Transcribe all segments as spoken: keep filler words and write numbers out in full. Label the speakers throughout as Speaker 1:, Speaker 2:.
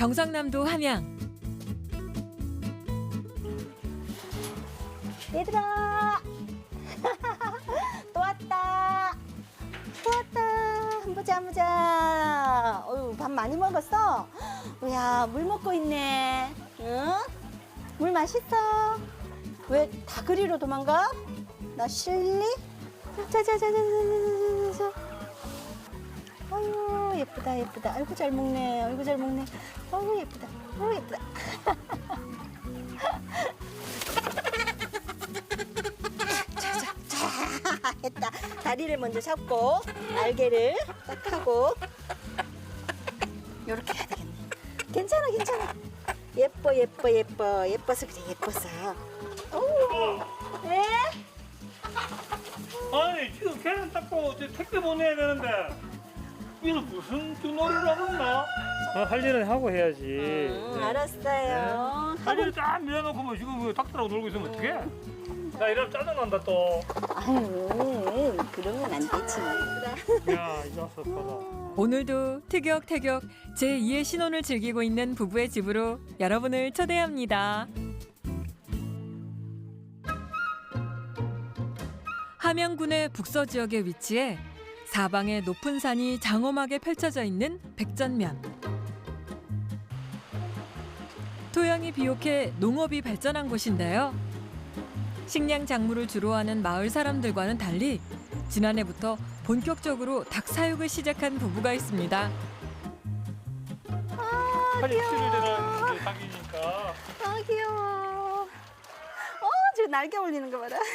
Speaker 1: 경상남도 함양.
Speaker 2: 얘들아 또 왔다 또 왔다. 한 보자 한 보자. 어휴, 밥 많이 먹었어? 야, 물 먹고 있네. 응? 물 맛있어? 왜 다 그리로 도망가? 나 실리? 자자자자자자자자. 아유, 예쁘다 예쁘다. 아이고 잘 먹네. 아이고 잘 먹네. 아이고 예쁘다. 아이고 예쁘다. 했다. 다리를 먼저 잡고 날개를 딱 하고 이렇게 해야 되겠네. 괜찮아 괜찮아. 예뻐 예뻐 예뻐 예뻐서 그래 예뻐서. 오. 네?
Speaker 3: 아니 지금 계란 닦고 이제 택배 보내야 되는데 이거 무슨 쭈놀이를 하겠나? 아, 할 일은 하고 해야지.
Speaker 2: 응, 알았어요.
Speaker 3: 할 일을 딱 밀어놓고 뭐 지금 왜 닭들하고 놀고 있으면 어떡해? 나 이러면 짜증난다 또.
Speaker 2: 아유, 그러면 안 되지.
Speaker 3: 야, 이 녀석 봐라.
Speaker 1: 오늘도 티격태격 제이의 신혼을 즐기고 있는 부부의 집으로 여러분을 초대합니다. 함양군의 북서 지역에 위치해 사방에 높은 산이 장엄하게 펼쳐져 있는 백전면. 토양이 비옥해 농업이 발전한 곳인데요. 식량 작물을 주로 하는 마을 사람들과는 달리 지난해부터 본격적으로 닭 사육을 시작한 부부가 있습니다.
Speaker 3: 빨리 치를 대라 닭이니까.
Speaker 2: 아, 귀여워. 어, 저 날개 올리는 거 봐라.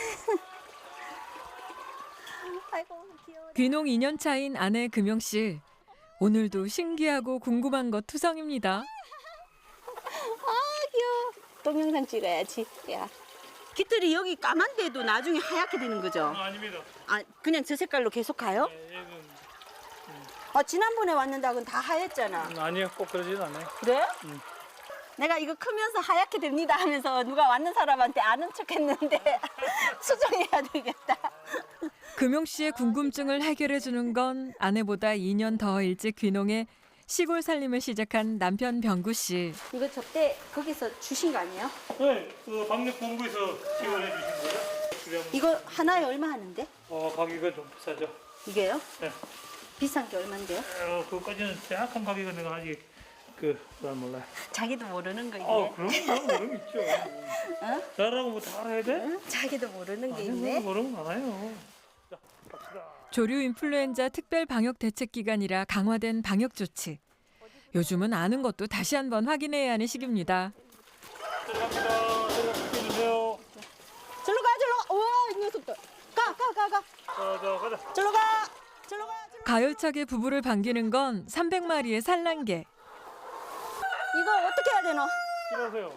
Speaker 2: 아이고, 귀여워.
Speaker 1: 귀농 이 년 차인 아내 금영 씨. 오늘도 신기하고 궁금한 것 투성입니다.
Speaker 2: 아, 귀여워. 동영상 찍어야지. 야. 깃들이 여기 까만데도 나중에 하얗게 되는 거죠?
Speaker 3: 아, 아닙니다.
Speaker 2: 아, 그냥 저 색깔로 계속 가요?
Speaker 3: 네, 얘는
Speaker 2: 아, 지난번에 왔는 닭은 다 하였잖아.
Speaker 3: 음, 아니요, 꼭 그러진 않아요.
Speaker 2: 그래?
Speaker 3: 음.
Speaker 2: 내가 이거 크면서 하얗게 됩니다 하면서 누가 왔는 사람한테 아는 척 했는데 수정해야 되겠다.
Speaker 1: 금용 씨의 궁금증을 해결해 주는 건 아내보다 이 년 더 일찍 귀농해 시골 살림을 시작한 남편 병구 씨.
Speaker 2: 이거 접대 거기서 주신 거 아니에요?
Speaker 3: 네, 그 방역본부에서 지원해 주신 거죠? 그래,
Speaker 2: 이거 하나에 얼마 하는데?
Speaker 3: 어, 가격이 좀 비싸죠.
Speaker 2: 이게요?
Speaker 3: 네.
Speaker 2: 비싼 게 얼만데요?
Speaker 3: 어, 그거까지는 정확한 가격은 내가 아직 그, 잘 몰라요.
Speaker 2: 자기도 모르는 거 이게.
Speaker 3: 어, 그럼 그럼 모르면 있죠.
Speaker 2: 어?
Speaker 3: 나라고 뭐 다 알아야 돼?
Speaker 2: 응? 자기도 모르는 게
Speaker 3: 아니,
Speaker 2: 있네.
Speaker 3: 모르면 많아요. 자, 갑시다.
Speaker 1: 조류 인플루엔자 특별 방역 대책 기간이라 강화된 방역 조치. 요즘은 아는 것도 다시 한번 확인해야 하는 시기입니다.
Speaker 3: 들어갑니다. 들어가주세요.
Speaker 2: 절로 가, 절로. 우와, 이 녀석들. 가, 가, 가, 가.
Speaker 3: 자, 자, 가자.
Speaker 2: 절로 가. 절로 가. 절로.
Speaker 1: 가열차게 부부를 반기는 건 삼백 마리의 산란개.
Speaker 2: 이거 어떻게 해야 되노?
Speaker 3: 일어나세요.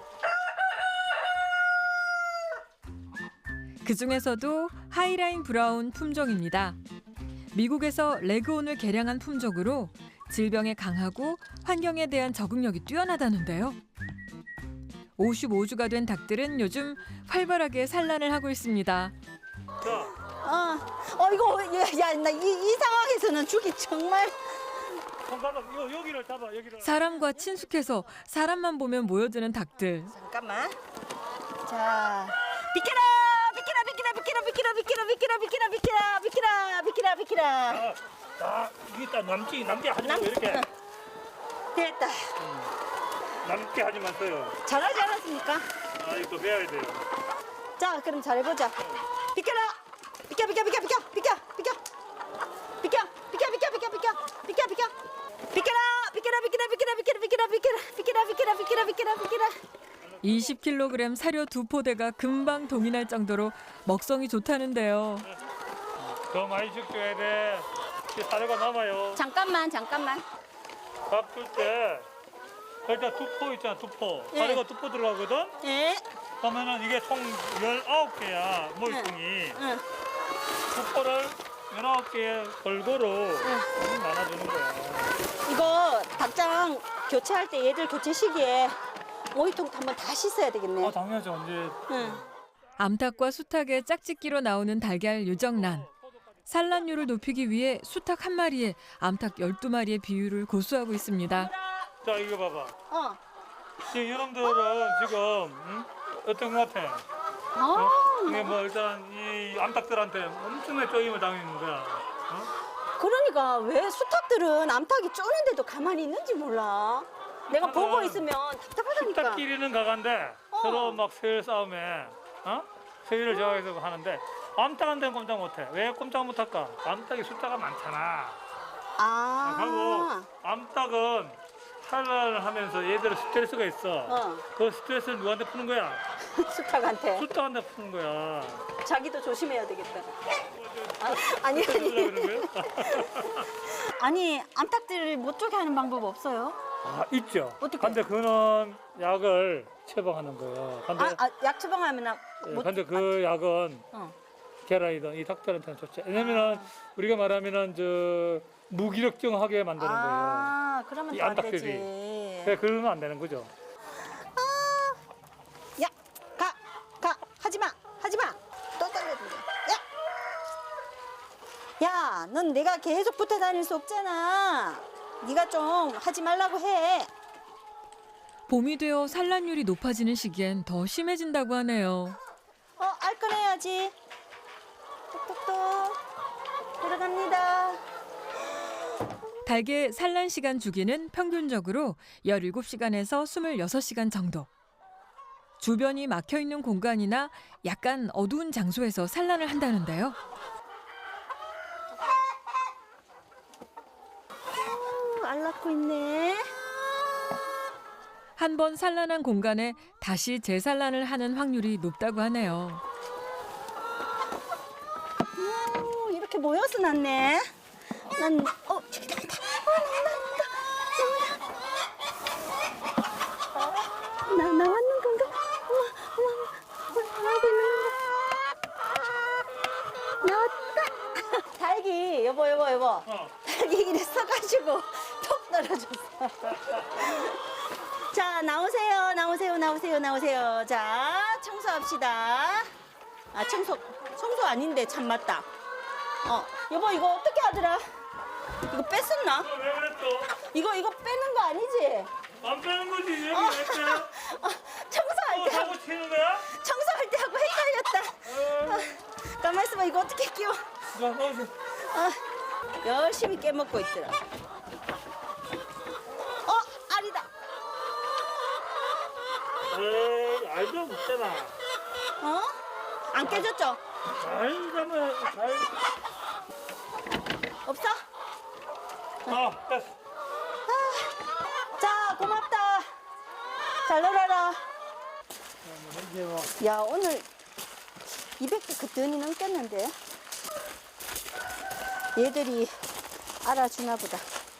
Speaker 1: 그중에서도 하이라인 브라운 품종입니다. 미국에서 레그온을 개량한 품종으로 질병에 강하고 환경에 대한 적응력이 뛰어나다는데요. 오십오 주가 된 닭들은 요즘 활발하게 산란을 하고 있습니다.
Speaker 3: 자,
Speaker 2: 어, 어 이거 야, 나 이 이 상황에서는 주기 정말.
Speaker 3: 손가락 요 여기를 잡아 여기를.
Speaker 1: 사람과 친숙해서 사람만 보면 모여드는 닭들.
Speaker 2: 잠깐만. 자, 비켜라, 비켜라, 비켜라, 비켜라, 비켜라, 비켜라, 비켜라, 비켜라, 비켜라, 비켜라, 비켜라, 비켜라.
Speaker 3: 자, 자, 이게 딱 남지 남지 하지
Speaker 2: 남-
Speaker 3: 말고 이렇게
Speaker 2: 됐다.
Speaker 3: 남게 하지 마세요.
Speaker 2: 잘하지 않았습니까?
Speaker 3: 아, 이거 배워야 돼요.
Speaker 2: 자, 그럼 잘해보자. 비켜라, 비켜, 비켜, 비켜, 비켜, 비켜, 비켜, 비켜, 비켜, 비켜, 비켜, 비켜, 비켜, 비켜, 비켜라, 비켜라, 비켜라, 비켜라, 비켜라, 비켜라, 비켜라, 비켜라, 비켜라, 비켜라, 비켜라, 비켜라.
Speaker 1: 이십 킬로그램 사료 두 포대가 금방 동인할 정도로 먹성이 좋다는데요.
Speaker 3: 더 많이 죽여야 돼. 이게 사료가 남아요.
Speaker 2: 잠깐만, 잠깐만.
Speaker 3: 밥 줄 때 일단 두포 있잖아, 두포.
Speaker 2: 예.
Speaker 3: 사료가 두포 들어가거든.
Speaker 2: 예,
Speaker 3: 그러면은 이게 총 열아홉 개야 모이통이.
Speaker 2: 응.
Speaker 3: 두포를 열아홉 개 골고루 나눠주는 거야.
Speaker 2: 이거 닭장 교체할 때 얘들 교체 시기에 모이통 한번 다 씻어야 되겠네.
Speaker 3: 아, 당연하죠. 언제
Speaker 2: 응.
Speaker 1: 암탉과 수탉의 짝짓기로 나오는 달걀 유정란. 산란율을 높이기 위해 수탉 한 마리에 암탉 열두 마리의 비율을 고수하고 있습니다.
Speaker 3: 자 이거 봐봐.
Speaker 2: 어.
Speaker 3: 지금 여러분들은 지금 응? 어떤 것 같아?
Speaker 2: 아,
Speaker 3: 이게 뭐 일단 이 암탉들한테 엄청나게 쪼임을 당하는 거야. 어?
Speaker 2: 그러니까 왜 수탉들은 암탉이 쪼는데도 가만히 있는지 몰라. 내가 보고 있으면 답답하다니까.
Speaker 3: 수탉끼리는 가간데
Speaker 2: 어.
Speaker 3: 서로 막 서열 싸움에 어? 서열을 정해서 하는데 암탉한테는 꼼짝 못해. 왜 꼼짝 못할까? 암탉이 숫자가 많잖아.
Speaker 2: 아.
Speaker 3: 하고 암탉은 산란을 하면서 얘들은 스트레스가 있어.
Speaker 2: 어.
Speaker 3: 그 스트레스를 누구한테 푸는 거야?
Speaker 2: 수탉한테.
Speaker 3: 숫자한테 푸는 거야.
Speaker 2: 자기도 조심해야 되겠다. 아, 아니
Speaker 3: 그러려고
Speaker 2: 아니.
Speaker 3: 그러는 거야?
Speaker 2: 아니 암탉들을 못 쪼게 하는 방법 없어요?
Speaker 3: 아 있죠.
Speaker 2: 어떻게?
Speaker 3: 근데 그는 약을 처방하는 거예요. 근데
Speaker 2: 아, 아, 약 처방하면 아,
Speaker 3: 예,
Speaker 2: 못.
Speaker 3: 근데 그 약은
Speaker 2: 어.
Speaker 3: 계란이든 이 닭들한테는 좋죠. 왜냐면은 우리가 말하면은 저 무기력증하게 만드는 거예요.
Speaker 2: 아, 그러면
Speaker 3: 이
Speaker 2: 또 안
Speaker 3: 암탉들이.
Speaker 2: 되지.
Speaker 3: 그래 그러면 안 되는 거죠.
Speaker 2: 야, 가, 가, 하지 마, 하지 마. 또 떨려준다. 야, 야, 넌 내가 계속 붙어 다닐 수 없잖아. 네가 좀 하지 말라고 해.
Speaker 1: 봄이 되어 산란율이 높아지는 시기엔 더 심해진다고 하네요.
Speaker 2: 어, 알 꺼내야지. 똑똑똑. 들어갑니다.
Speaker 1: 닭의 산란 시간 주기는 평균적으로 열일곱 시간에서 이십육 시간 정도. 주변이 막혀 있는 공간이나 약간 어두운 장소에서 산란을 한다는데요.
Speaker 2: 어, 알 낳고 있네.
Speaker 1: 한 번 산란한 공간에 다시 재산란을 하는 확률이 높다고 하네요.
Speaker 2: 오, 이렇게 모여서 났네. 난, 어, 저기 나온다. 어, 나온다, 나온다. 나, 나왔는 건가? 어머, 어머, 어머, 나오고 있는 건가? 나왔다. 닭이, 여보, 여보, 여보.
Speaker 3: 어.
Speaker 2: 닭이 이래 써가지고 톡 떨어졌어. 자, 나오세요, 나오세요, 나오세요, 나오세요. 자, 청소합시다. 아, 청소, 청소 아닌데, 참 맞다. 어, 여보, 이거 어떻게 하더라? 이거 뺐었나?
Speaker 3: 어, 왜 그래 또?
Speaker 2: 이거, 이거 빼는 거 아니지?
Speaker 3: 안 빼는 거지 여기
Speaker 2: 어,
Speaker 3: 왜 빼?
Speaker 2: 어, 청소할
Speaker 3: 또
Speaker 2: 때,
Speaker 3: 사고 치는 거야?
Speaker 2: 청소할 때 하고 헷갈렸다. 어, 가만 있어봐, 이거 어떻게 끼워?
Speaker 3: 자, 넣어줘.
Speaker 2: 어, 열심히 깨먹고 있더라. 어, 알이다.
Speaker 3: 에이, 알도 없잖아.
Speaker 2: 어? 안 깨졌죠?
Speaker 3: 잘 가면 잘.
Speaker 2: 없어?
Speaker 3: 아, 됐어.
Speaker 2: 자, 고맙다. 잘 놀아라.
Speaker 3: 이제 뭐
Speaker 2: 야, 오늘 이백 개 그뜬히 넘겼는데. 얘들이 알아주나 보다.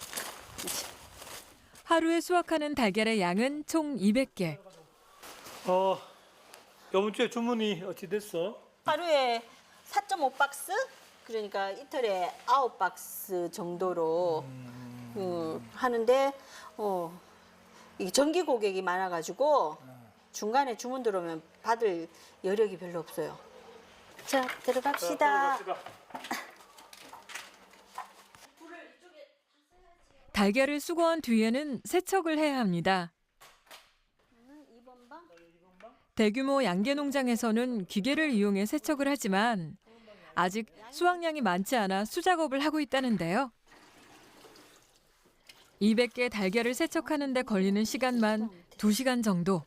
Speaker 1: 하루에 수확하는 달걀의 양은 총 이백 개.
Speaker 3: 어, 이번 주에 주문이 어찌 됐어?
Speaker 2: 하루에 사 점 오 박스? 그러니까 이틀에 아홉 박스 정도로 음, 하는데 어, 이 정기 고객이 많아가지고 중간에 주문 들어오면 받을 여력이 별로 없어요. 자, 들어갑시다.
Speaker 1: 달걀을 수거한 뒤에는 세척을 해야 합니다. 대규모 양계 농장에서는 기계를 이용해 세척을 하지만 아직 수확량이 많지 않아 수작업을 하고 있다는데요. 이백 개 달걀을 세척하는 데 걸리는 시간만 두 시간 정도.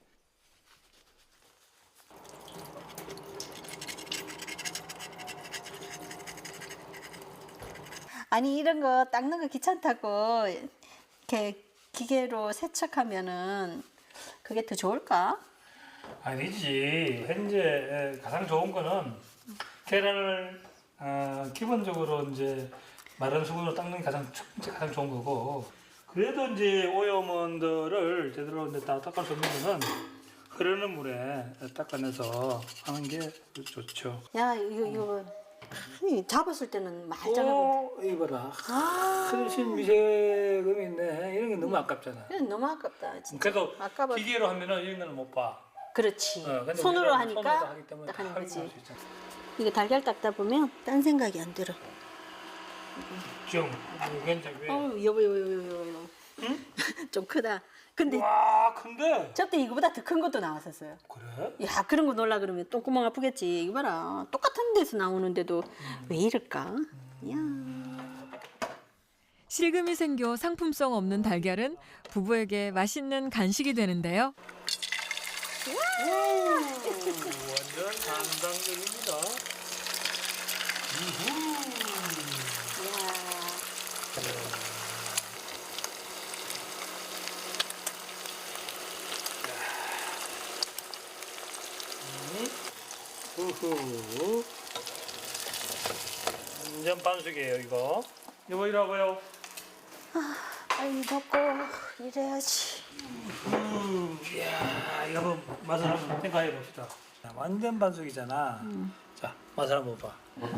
Speaker 2: 아니 이런 거 닦는 거 귀찮다고 이렇게 기계로 세척하면은 그게 더 좋을까?
Speaker 3: 아니지. 현재 가장 좋은 거는 계란을 어, 기본적으로 이제 마른 수건으로 닦는 게 가장 첫 번째 가장 좋은 거고. 그래도 이제 오염원들을 제대로 이제 다 닦을 수 없는 거는 흐르는 물에 닦아내서 하는 게 좋죠.
Speaker 2: 야 이거 이거 이 잡았을 때는 말짱하고
Speaker 3: 오, 이거라.
Speaker 2: 아
Speaker 3: 훨씬 미세금이 있네. 이런 게 너무 아깝잖아.
Speaker 2: 이거 너무 아깝다 진짜.
Speaker 3: 그래도
Speaker 2: 아까워.
Speaker 3: 기계로 하면은 이런 거는 못 봐.
Speaker 2: 그렇지.
Speaker 3: 어, 근데
Speaker 2: 손으로
Speaker 3: 우리는
Speaker 2: 하니까
Speaker 3: 손으로 하기 때문에
Speaker 2: 딱 하는
Speaker 3: 다
Speaker 2: 거지.
Speaker 3: 할수 있잖아.
Speaker 2: 이거 달걀 닦다 보면 딴 생각이 안 들어.
Speaker 3: 좀 이건 이제 왜?
Speaker 2: 어 여보 여보 여보 여보.
Speaker 3: 응?
Speaker 2: 좀 크다. 근데
Speaker 3: 와, 근데
Speaker 2: 저때 이거보다 더 큰 것도 나왔었어요.
Speaker 3: 그래?
Speaker 2: 야, 그런 거 놀라 그러면 똥구멍 아프겠지. 이거 봐라. 똑같은 데서 나오는데도 왜 이럴까? 야.
Speaker 1: 실금이 생겨 상품성 없는 달걀은 부부에게 맛있는 간식이 되는데요.
Speaker 3: 완전 감당적입니다. 우후. 완전 반숙이에요, 이거. 이거 이라고요?
Speaker 2: 빨리 먹고 이래야지.
Speaker 3: 음, 이야, 이거 한번 맛을 한번 생각해 봅시다. 완전 반숙이잖아.
Speaker 2: 음.
Speaker 3: 자, 맛을 한번 봐.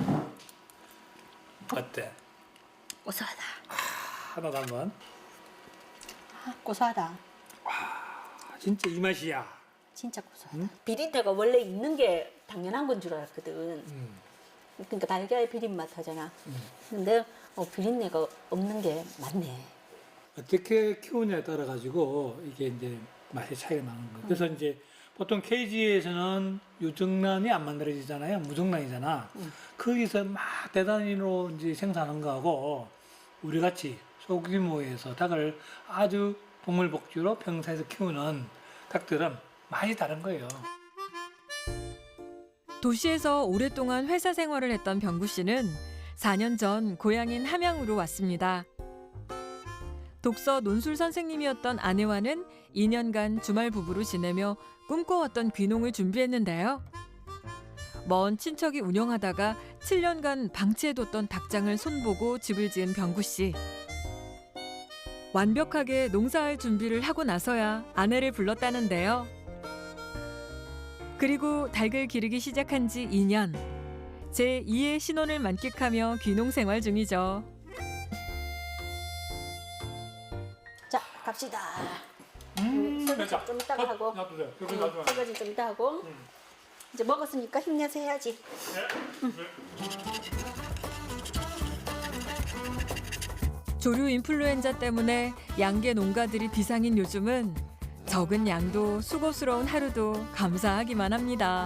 Speaker 3: 어때?
Speaker 2: 고소하다.
Speaker 3: 하나도 한번.
Speaker 2: 아, 고소하다.
Speaker 3: 아, 진짜 이 맛이야.
Speaker 2: 진짜 고소하다. 비린내가 원래 있는 게 당연한 건 줄 알았거든.
Speaker 3: 음.
Speaker 2: 그러니까 달걀 비린 맛 하잖아. 근데 어, 비린내가 없는 게 맞네.
Speaker 3: 어떻게 키우냐에 따라 가지고 이게 이제 맛의 차이가 나는 거예요. 그래서 이제 보통 케이지에서는 유정란이 안 만들어지잖아요. 무정란이잖아.
Speaker 2: 음.
Speaker 3: 거기서 막 대단위로 이제 생산한 거하고 우리 같이 소규모에서 닭을 아주 동물복지로 평사에서 키우는 닭들은 많이 다른 거예요.
Speaker 1: 도시에서 오랫동안 회사 생활을 했던 병구 씨는 사 년 전 고향인 함양으로 왔습니다. 독서 논술 선생님이었던 아내와는 이 년간 주말 부부로 지내며 꿈꿔왔던 귀농을 준비했는데요. 먼 친척이 운영하다가 칠 년간 방치해뒀던 닭장을 손보고 집을 지은 병구 씨. 완벽하게 농사할 준비를 하고 나서야 아내를 불렀다는데요. 그리고 닭을 기르기 시작한 지 이 년. 제이의 신혼을 만끽하며 귀농 생활 중이죠.
Speaker 2: 자, 갑시다.
Speaker 3: 음,
Speaker 2: 설거지 좀 이따가 하고.
Speaker 3: 놔두세요. 여기
Speaker 2: 응,
Speaker 3: 놔두세요.
Speaker 2: 설거지 좀 이따 하고.
Speaker 3: 음.
Speaker 2: 이제 먹었으니까 힘내서 해야지.
Speaker 1: 조류 인플루엔자 때문에 양계 농가들이 비상인 요즘은 적은 양도 수고스러운 하루도 감사하기만 합니다.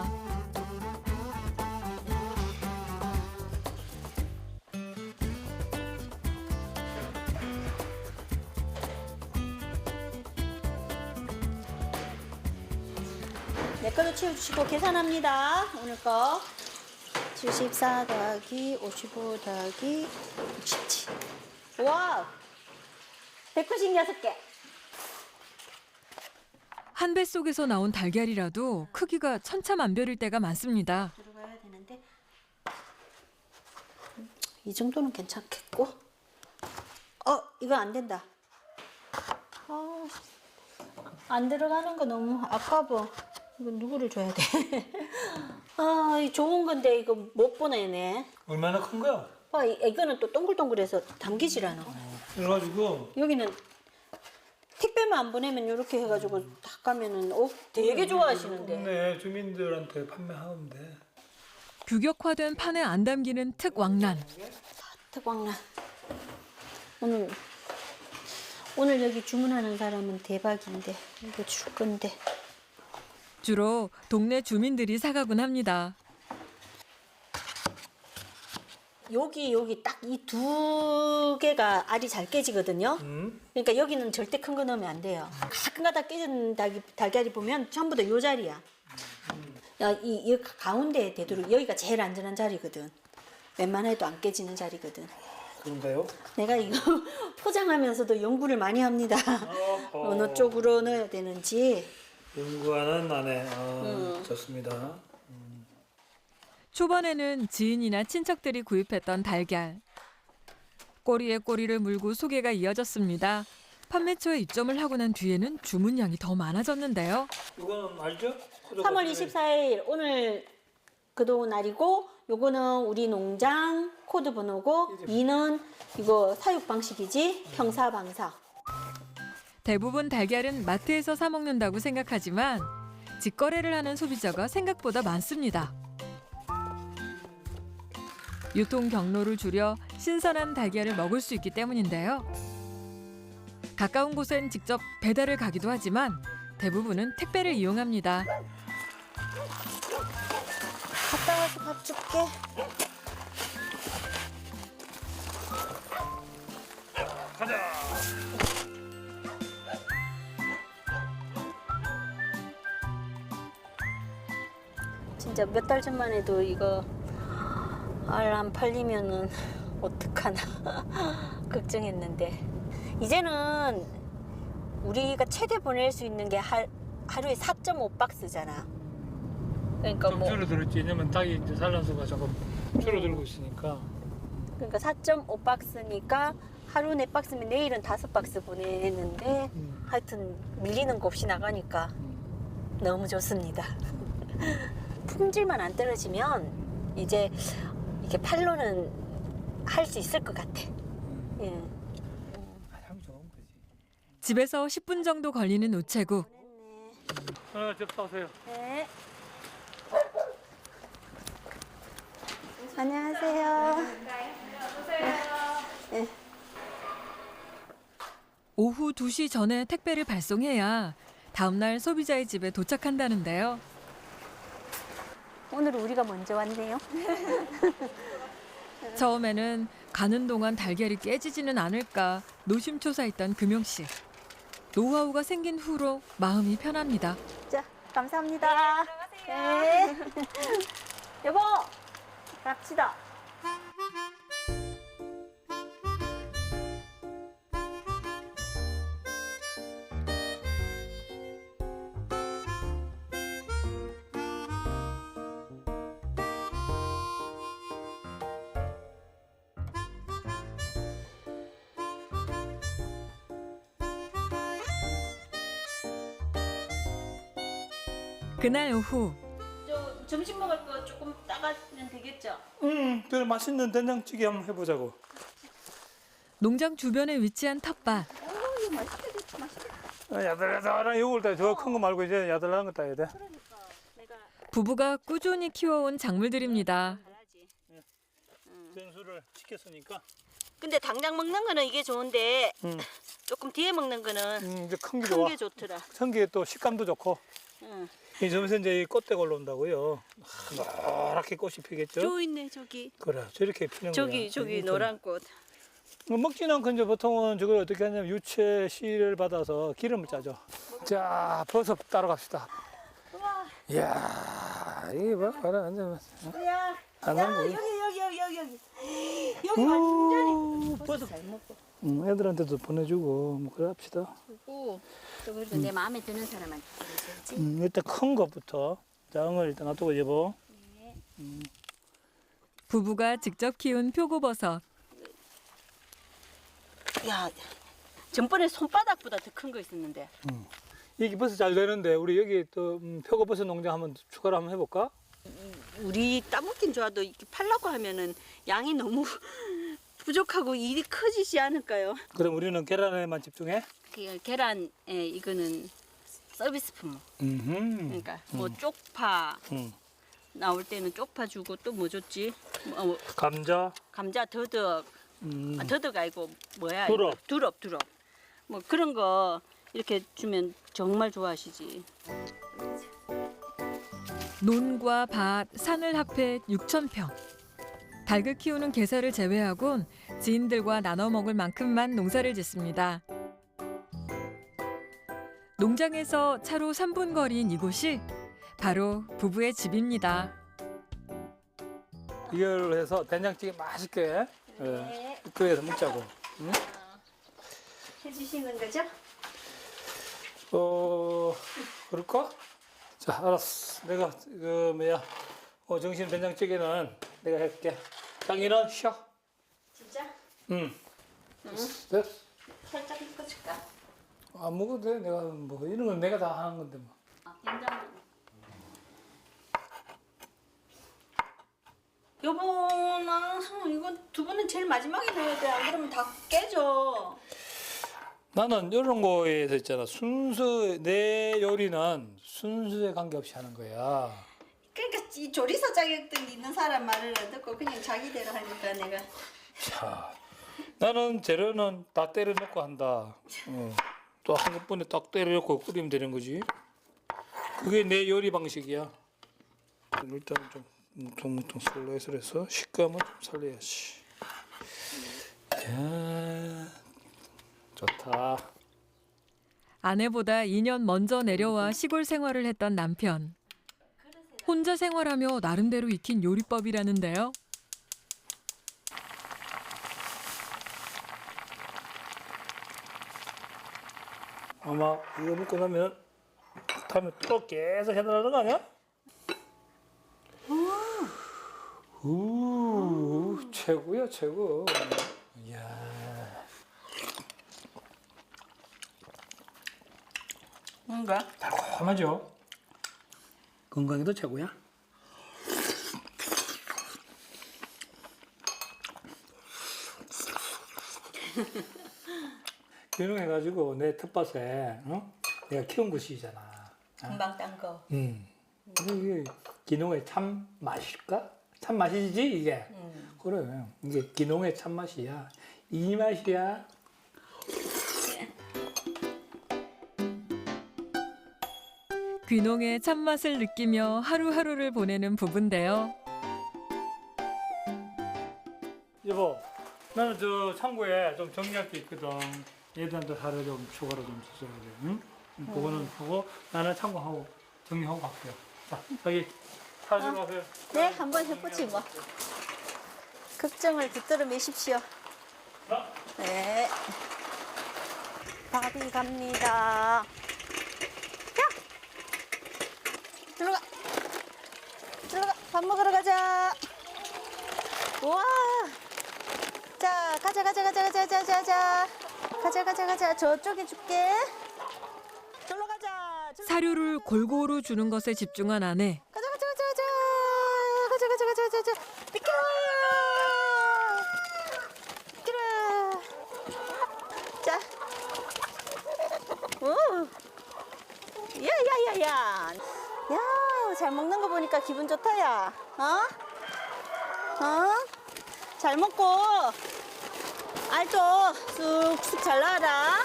Speaker 2: 내 거도 치워주시고 계산합니다. 오늘 거. 칠십사 더하기 오십오 더하기 육십칠. 와우! 백구십육 개.
Speaker 1: 한 배 속에서 나온 달걀이라도 크기가 천차만별일 때가 많습니다.
Speaker 2: 들어가야 되는데 이 정도는 괜찮겠고. 어, 이거 안 된다. 아, 안 들어가는 거 너무 아까워. 이거 누구를 줘야 돼? 아, 이 좋은 건데 이거 못 보내네.
Speaker 3: 얼마나 큰 거야?
Speaker 2: 아, 이- 이거는 또 동글동글해서 담기질 않아.
Speaker 3: 그래가지고
Speaker 2: 여기는 택배만 안 보내면 이렇게 해가지고 딱 가면은 어, 되게 좋아하시는데.
Speaker 3: 네, 주민들한테 판매하면 돼.
Speaker 1: 규격화된 판에 안 담기는 특왕란.
Speaker 2: 특광란. 오늘 오늘 여기 주문하는 사람은 대박인데 이거 줄 건데.
Speaker 1: 주로 동네 주민들이 사가곤 합니다.
Speaker 2: 여기 여기 딱 이 두 개가 알이 잘 깨지거든요.
Speaker 3: 음?
Speaker 2: 그러니까 여기는 절대 큰 거 넣으면 안 돼요. 가끔가다 깨진 닭이, 달걀이 보면 전부 다 요 자리야. 야, 이, 이 가운데에 되도록 여기가 제일 안전한 자리거든. 웬만해도 안 깨지는 자리거든.
Speaker 3: 그런가요?
Speaker 2: 내가 이거 포장하면서도 연구를 많이 합니다.
Speaker 3: 어허.
Speaker 2: 어느 쪽으로 넣어야 되는지.
Speaker 3: 연구하는 아내. 아, 좋습니다.
Speaker 1: 초반에는 지인이나 친척들이 구입했던 달걀. 꼬리에 꼬리를 물고 소개가 이어졌습니다. 판매 초에 입점을 하고 난 뒤에는 주문량이 더 많아졌는데요.
Speaker 3: 이거는 알죠?
Speaker 2: 삼월 이십사일 오늘 그동 날이고 요거는 우리 농장 코드 번호고 이는 이거 사육 방식이지 평사 방사.
Speaker 1: 대부분 달걀은 마트에서 사 먹는다고 생각하지만 직거래를 하는 소비자가 생각보다 많습니다. 유통 경로를 줄여 신선한 달걀을 먹을 수 있기 때문인데요. 가까운 곳엔 직접 배달을 가기도 하지만 대부분은 택배를 이용합니다.
Speaker 2: 갔다 와서 밥 줄게.
Speaker 3: 가자.
Speaker 2: 진짜 몇 달 전만 해도 이거 알 안 팔리면은 어떡하나 걱정했는데 이제는 우리가 최대 보낼 수 있는 게 하, 하루에 사 점 오 박스잖아. 그러니까
Speaker 3: 좀
Speaker 2: 뭐
Speaker 3: 줄어들었지. 왜냐면 닭이 이제 산란수가 조금 줄어들고 있으니까.
Speaker 2: 그러니까 사 점 오 박스니까 하루 네 박스면 내일은 다섯 박스 보내는데
Speaker 3: 음.
Speaker 2: 하여튼 밀리는 거 없이 나가니까
Speaker 3: 음.
Speaker 2: 너무 좋습니다. 품질만 안 떨어지면 이제 이게 팔로는 할 수 있을 것 같아.
Speaker 3: 음.
Speaker 2: 예.
Speaker 3: 가장 좋은 거지.
Speaker 1: 집에서 십 분 정도 걸리는 우체국.
Speaker 3: 어, 접사 오세요.
Speaker 2: 네. 안녕하세요. 네.
Speaker 1: 오후 두 시 전에 택배를 발송해야 다음 날 소비자의 집에 도착한다는데요.
Speaker 2: 오늘 우리가 먼저 왔네요.
Speaker 1: 처음에는 가는 동안 달걀이 깨지지는 않을까 노심초사했던 금용 씨. 노하우가 생긴 후로 마음이 편합니다.
Speaker 2: 자, 감사합니다. 네. 여보, 갑시다.
Speaker 1: 그날 오후
Speaker 2: 저 점심 먹을 거 조금 따가면 되겠죠?
Speaker 3: 음, 그 맛있는 된장찌개 한번 해보자고.
Speaker 1: 농장 주변에 위치한 텃밭.
Speaker 2: 어, 이거 맛있겠다, 맛있겠다.
Speaker 3: 어, 야들야들한 요걸 따. 저 큰 거 말고 이제 야들야한 거 따야 돼.
Speaker 2: 그러니까 내가
Speaker 1: 부부가 꾸준히 키워온 작물들입니다.
Speaker 2: 잘하지.
Speaker 3: 전수를 시켰으니까.
Speaker 2: 근데 당장 먹는 거는 이게 좋은데
Speaker 3: 음,
Speaker 2: 조금 뒤에 먹는 거는
Speaker 3: 음 이제 큰 게
Speaker 2: 큰
Speaker 3: 좋아.
Speaker 2: 게 좋더라.
Speaker 3: 큰 게 또 식감도 좋고.
Speaker 2: 응.
Speaker 3: 이 점에서 이제 이 꽃대가 올라온다고요. 노랗게 꽃이 피겠죠.
Speaker 2: 저 있네 저기.
Speaker 3: 그래, 저렇게 피는 거야.
Speaker 2: 저기 저기
Speaker 3: 이렇게.
Speaker 2: 노란 꽃.
Speaker 3: 뭐 먹지는 않고 이제 보통은 저걸 어떻게 하냐면 유채 씨를 받아서 기름을 짜죠. 자, 버섯 따러 갑시다.
Speaker 2: 우와,
Speaker 3: 이야, 이게 봐, 봐라, 앉아.
Speaker 2: 야,
Speaker 3: 안
Speaker 2: 야
Speaker 3: 하는
Speaker 2: 여기
Speaker 3: 거지.
Speaker 2: 여기 여기 여기 여기 여기 완전히
Speaker 3: 오,
Speaker 2: 버섯 잘 먹고.
Speaker 3: 음, 애들한테도 보내주고 뭐 그래 합시다.
Speaker 2: 그리고 또 그래도 내 마음에 드는 사람한테 보내줘야지.
Speaker 3: 음, 일단 큰 것부터 장을 일단 놔두고 여보.
Speaker 1: 부부가 직접 키운 표고버섯.
Speaker 2: 야, 전번에 손바닥보다 더 큰 거 있었는데.
Speaker 3: 이게 버섯 잘 되는데 우리 여기 또 음, 표고버섯 농장 한번 추가로 한번 해볼까?
Speaker 2: 우리 따먹긴 좋아도 이렇게 팔라고 하면은 양이 너무 부족하고 일이 커지지 않을까요?
Speaker 3: 그럼 우리는 계란에만 집중해.
Speaker 2: 그 계란에 이거는 서비스 품목.
Speaker 3: 음.
Speaker 2: 그러니까 뭐 쪽파
Speaker 3: 음.
Speaker 2: 나올 때는 쪽파 주고 또 뭐 줬지? 뭐, 어,
Speaker 3: 감자.
Speaker 2: 감자 더덕,
Speaker 3: 음.
Speaker 2: 아, 더덕 아니고 뭐야?
Speaker 3: 두릅.
Speaker 2: 이거? 두릅, 두릅. 뭐 그런 거 이렇게 주면 정말 좋아하시지.
Speaker 1: 논과 밭, 산을 합해 육천 평. 닭을 키우는 개사를 제외하곤 지인들과 나눠 먹을 만큼만 농사를 짓습니다. 농장에서 차로 삼 분 거리인 이곳이 바로 부부의 집입니다.
Speaker 3: 이걸 해서 된장찌개 맛있게 예, 끓여서 먹자고. 응?
Speaker 2: 해주시는 거죠?
Speaker 3: 어, 그럴까? 자, 알았어. 내가 그 뭐야, 어, 정신 된장찌개는 내가 할게. 장인은 쉬어.
Speaker 2: 진짜?
Speaker 3: 응. 됐어. 됐어.
Speaker 2: 살짝 익어줄까?
Speaker 3: 안 먹어도 돼. 내가 뭐 이런 건 내가 다 하는 건데 뭐.
Speaker 2: 아, 된장. 여보, 나는 이거 두 번은 제일 마지막에 넣어야 돼. 안 그러면 다 깨져.
Speaker 3: 나는 이런 거에서 있잖아. 순수 내 요리는 순수에 관계없이 하는 거야.
Speaker 2: 그러니까 이 조리사 자격증 있는 사람 말을 안 듣고 그냥 자기대로 하니까 내가.
Speaker 3: 자, 나는 재료는 다 때려 넣고 한다. 어. 또 한꺼번에 딱 때려 넣고 끓이면 되는 거지. 그게 내 요리 방식이야. 일단 좀 뭉텅뭉텅 슬라이스를 해서 식감을 좀 살려야지. 야, 좋다.
Speaker 1: 아내보다 이 년 먼저 내려와 시골 생활을 했던 남편. 혼자 생활하며 나름대로 익힌 요리법이라는데요.
Speaker 3: 아마 이거 먹고 나면 다음에 또 계속 해달라는 거 아니야? 우 최고야 최고. 이야.
Speaker 2: 뭔가?
Speaker 3: 달콤하죠? 건강에도 최고야. 귀농해가지고 내 텃밭에 어? 내가 키운 것이잖아.
Speaker 2: 금방 딴 거.
Speaker 3: 음. 이게 귀농의 참 맛일까? 참 맛이지 이게.
Speaker 2: 음.
Speaker 3: 그래. 이게 귀농의 참 맛이야. 이 맛이야.
Speaker 1: 귀농의 참맛을 느끼며 하루하루를 보내는 부부인데요.
Speaker 3: 여보, 나는 저 창고에 좀 정리할 게 있거든. 얘들한테 하루 좀 추가로 좀 주셔야 돼. 응? 그거는 하고 나는 창고하고 정리하고 갈게요. 자, 여기 사주로 하세요.
Speaker 2: 네, 한번 해보지 뭐. 걱정을 붙들어 매십시오.
Speaker 3: 자,
Speaker 2: 네. 밥이 갑니다. 야! 들어가. 들어가. 밥 먹으러 가자. 우와. 자, 가자, 가자, 가자, 가자, 가자, 가자. 가자, 가자, 가자. 저쪽에 줄게. 절로 가자. 절로
Speaker 1: 사료를 골고루 주는 것에 집중한 아내.
Speaker 2: 가자, 가자, 가자, 가자. 가자, 가자, 가자, 가자, 가자. 비켜라. 비켜라. 자. 오. 야, 야, 야, 야. 야, 잘 먹는 거 보니까 기분 좋다, 야. 어? 어? 잘 먹고 알도 쑥쑥 잘 나와라.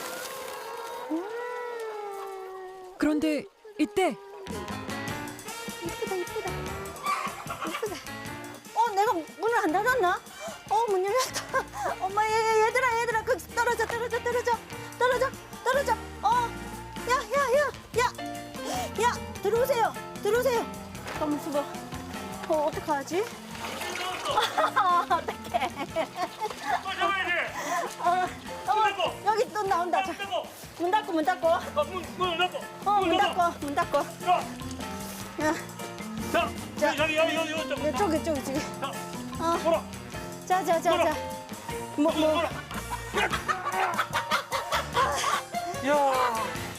Speaker 2: 음.
Speaker 1: 그런데 이때
Speaker 2: 이쁘다, 이쁘다. 이쁘다. 어, 내가 문을 안 닫았나? 어, 문 열렸다. 엄마, 얘, 얘, 얘들아, 얘들아, 거기 떨어져, 떨어져, 떨어져, 떨어져, 떨어져. 어, 야, 야, 야, 야, 야, 들어오세요, 들어오세요. 가만 있어봐. 어, 어떡하지? 어떡해.
Speaker 3: 또 잡아야지.
Speaker 2: 어, 어, 여기 또 나온다. 자, 문 닫고, 문 닫고.
Speaker 3: 아, 문, 문을 닫고.
Speaker 2: 어, 문 닫고, 문 닫고.
Speaker 3: 자,
Speaker 2: 야,
Speaker 3: 자,
Speaker 2: 자.
Speaker 3: 여기, 여기, 여기, 여기, 여기.
Speaker 2: 저기, 저기, 저기.
Speaker 3: 자,
Speaker 2: 어,
Speaker 3: 돌아.
Speaker 2: 자, 자, 자, 자. 뭐, 뭐.
Speaker 3: 야,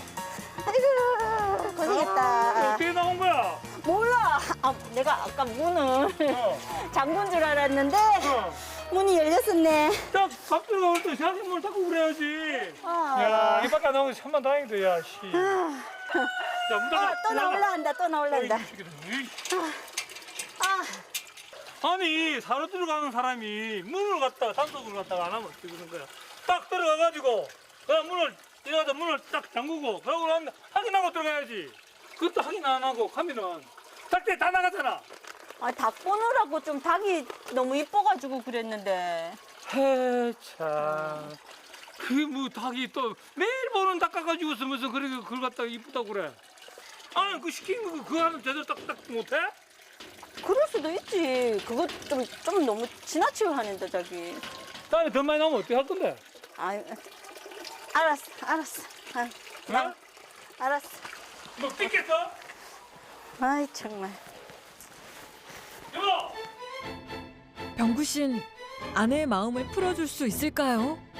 Speaker 2: 아이고, 고생했다.
Speaker 3: 어떻게 나온 거야?
Speaker 2: 몰라. 아, 내가 아까 문을
Speaker 3: 어.
Speaker 2: 잠근 줄 알았는데
Speaker 3: 어.
Speaker 2: 문이 열렸었네.
Speaker 3: 딱 밥들 나올 때 생각해 뭘 닫고 그래야지.
Speaker 2: 아.
Speaker 3: 야, 이 밖에 안 나온 게 천만 다행이다, 야, 씨. 야, 문 닫아.
Speaker 2: 아, 또 나올란다, 또 나올란다.
Speaker 3: 어이, 이 새끼들. 에이.
Speaker 2: 아,
Speaker 3: 아니, 사로 들어가는 사람이 문을 갖다가 단속을 갖다가 안 하면 어떻게 되는 거야? 딱 들어가가지고 그냥 문을 이러다 문을 딱 잠그고 그러고 나면 확인하고 들어가야지. 그것도 확인 안 하고 가면은 딱때 다 나가잖아.
Speaker 2: 아, 닭 보느라고 좀 닭이 너무 이뻐가지고 그랬는데.
Speaker 3: 해, 참. 그게 뭐 닭이 또 매일 보는 닭 가가지고 있으면서 그래 그걸 갖다가 이쁘다고 그래. 아니 그 시킨 거 그거 하면 제대로 딱딱 못해?
Speaker 2: 그럴 수도 있지. 그거 좀, 좀 너무 지나치게 하는데, 자기.
Speaker 3: 다음에 더 많이 나오면 어떻게 할 건데?
Speaker 2: 아, 알았어, 알았어. 아, 나,
Speaker 3: 어?
Speaker 2: 알았어.
Speaker 3: 뭐 삐겠어?
Speaker 2: 아이, 정말.
Speaker 3: 여보!
Speaker 1: 병구 씨는 아내의 마음을 풀어줄 수 있을까요?